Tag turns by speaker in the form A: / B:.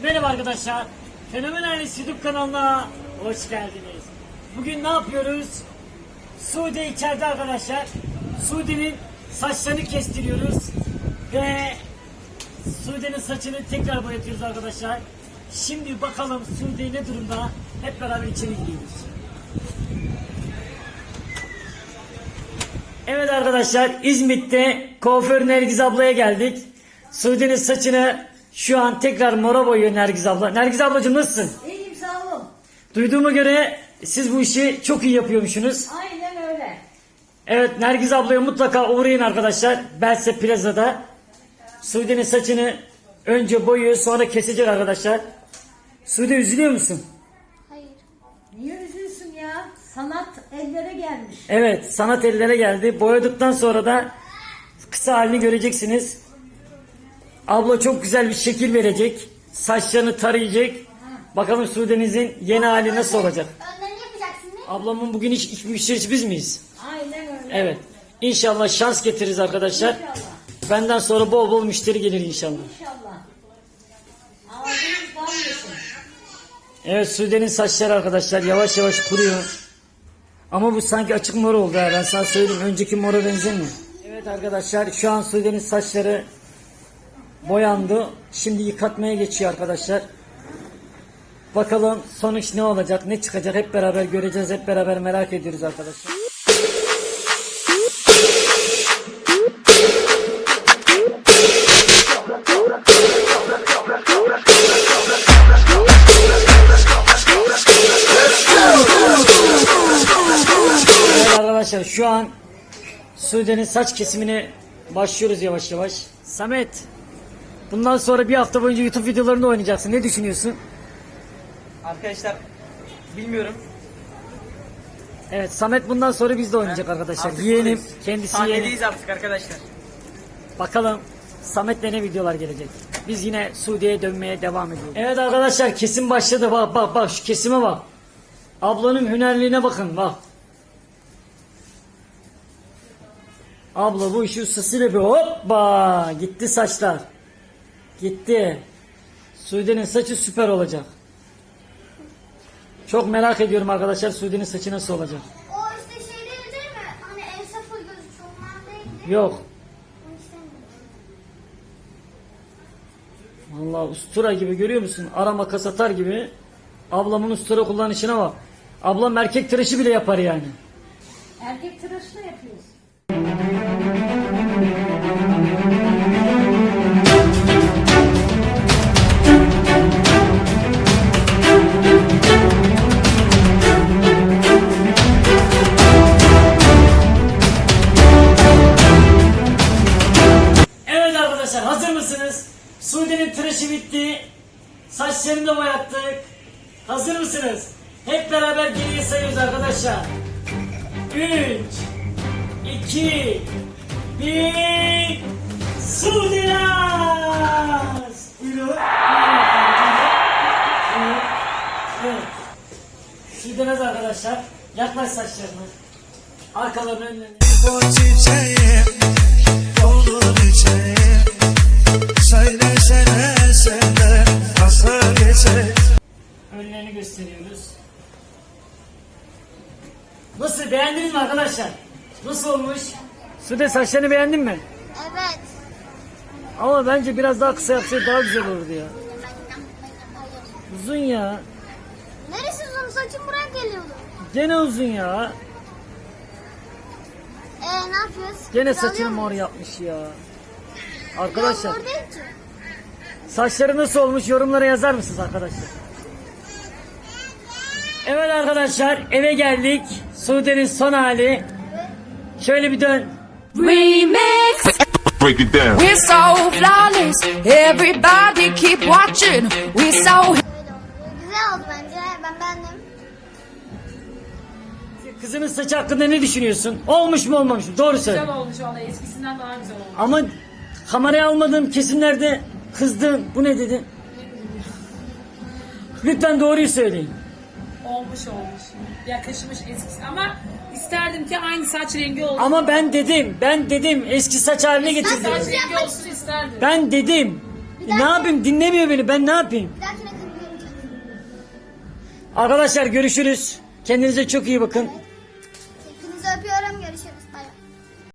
A: Merhaba arkadaşlar. Fenomen Ailesi YouTube kanalına hoş geldiniz. Bugün ne yapıyoruz? Sude içeride arkadaşlar. Sude'nin saçlarını kestiriyoruz. Ve Sude'nin saçını tekrar boyatıyoruz arkadaşlar. Şimdi bakalım Sude ne durumda? Hep beraber içeri gidiyoruz. Evet arkadaşlar, İzmit'te kuaför Nergiz ablaya geldik. Sude'nin saçını şu an tekrar mora boyuyor Nergiz abla. Nergiz ablacığım nasılsın?
B: İyiyim, sağ olun.
A: Duyduğuma göre siz bu işi çok iyi yapıyormuşsunuz.
B: Aynen öyle.
A: Evet, Nergiz ablaya mutlaka uğrayın arkadaşlar. Belse Plaza'da. Sude'nin saçını önce boyuyor, sonra kesecek arkadaşlar. Sude, üzülüyor musun?
C: Hayır.
B: Niye üzülsün ya? Sanat ellere gelmiş.
A: Evet, sanat ellere geldi. Boyadıktan sonra da kısa halini göreceksiniz. Abla çok güzel bir şekil verecek. Saçlarını tarayacak. Bakalım Sude'nizin yeni hali nasıl olacak?
C: Önlerini yapacaksın değil mi?
A: Ablamın bugün hiç müşterisi biz miyiz?
B: Aynen öyle.
A: Evet. İnşallah şans getiririz arkadaşlar.
B: İnşallah.
A: Benden sonra bol bol müşteri gelir inşallah.
B: İnşallah. Ağzınız bal yesin.
A: Evet, Sude'nin saçları arkadaşlar yavaş yavaş kuruyor. Ama bu sanki açık mor oldu ha, ben sana söyleyeyim. Önceki mora benzemiyor. Evet arkadaşlar, şu an Sude'nin saçları boyandı. Şimdi yıkatmaya geçiyor arkadaşlar. Bakalım sonuç ne olacak, ne çıkacak, hep beraber göreceğiz, hep beraber merak ediyoruz arkadaşlar. Evet arkadaşlar, şu an Sude'nin saç kesimine başlıyoruz yavaş yavaş. Samet, bundan sonra bir hafta boyunca YouTube videolarında oynayacaksın. Ne düşünüyorsun?
D: Arkadaşlar bilmiyorum.
A: Evet, Samet bundan sonra bizde oynayacak arkadaşlar.
D: Artık
A: Yeğenim,
D: buradayız.
A: kendisi yeğenim.
D: Sahnedeyiz artık arkadaşlar.
A: Bakalım Samet'le ne videolar gelecek. Biz yine Sude'ye dönmeye devam ediyoruz. Evet arkadaşlar, kesim başladı. Bak şu kesime bak. Ablanın hünerliğine bakın bak. Abla bu işi ustasıyla bir hoppa gitti saçlar. Gitti. Sude'nin saçı süper olacak. Çok merak ediyorum arkadaşlar, Sude'nin saçı nasıl olacak.
C: O işte şey değil mi? Hani el sıfır gözüküyor. Ondan değildi.
A: Yok.
C: Onu istemiyorum.
A: Vallahi ustura gibi, görüyor musun? Arama kasatar gibi. Ablamın ustura kullanışına bak. Ablam erkek tıraşı bile yapar yani.
B: Erkek tıraşı da yapıyoruz.
A: Evet arkadaşlar, hazır mısınız? Sude'nin tıraşı bitti. Saçlarını da boyattık. Hazır mısınız? Hep beraber geriye sayıyoruz arkadaşlar. 3 2 1 Sude Naz! Buyurun. Buyurun. Evet. Sude Naz arkadaşlar. Yaklaş saçlarını. Arkalarını önlerine.
E: Bu çiçeğim doldur içeyim. Söylesene sende nasıl geçecek?
A: Önlerini gösteriyoruz. Nasıl, beğendiniz mi arkadaşlar? Nasıl olmuş? Sude, saçlarını beğendin mi?
C: Evet.
A: Ama bence biraz daha kısa yapsaydı daha güzel olurdu ya. Uzun ya.
C: Neresi uzun? Saçım buraya geliyordu.
A: Gene uzun ya.
C: Ne yapıyoruz?
A: Gene
C: Biz alıyor
A: saçını mor
C: muyuz?
A: yapmış ya.
C: Ya
A: Arkadaşlar,
C: mor değil ki.
A: saçları nasıl olmuş yorumlara yazar mısınız arkadaşlar? Evet arkadaşlar, eve geldik. Sude'nin son hali. Şöyle bir dön.
F: Remix.
G: Break it down.
F: We're so flawless. Everybody keep watching. We're so.
C: Öyle oldu. Güzel oldu bence. Ben beğendim.
A: Kızının saçı hakkında ne düşünüyorsun? Olmuş mu olmamış mı? Doğru söyle.
H: Güzel olmuş valla, eskisinden daha güzel olmuş.
A: Ama kameraya almadığım kesimlerde kızdın. Bu ne dedi? Lütfen doğruyu söyleyin.
H: Olmuş. Yakışmış eskisi ama isterdim ki aynı saç rengi olsun.
A: Ama ben dedim eski saç haline getirdim.
H: Saç rengi olsun isterdim.
A: Ben dedim. Ne yapayım? Dinlemiyor beni. Ben ne yapayım?
C: Bir dahakine kırmıyorum.
A: Arkadaşlar görüşürüz. Kendinize çok iyi bakın.
C: Hepinizi öpüyorum. Görüşürüz. Bay bay.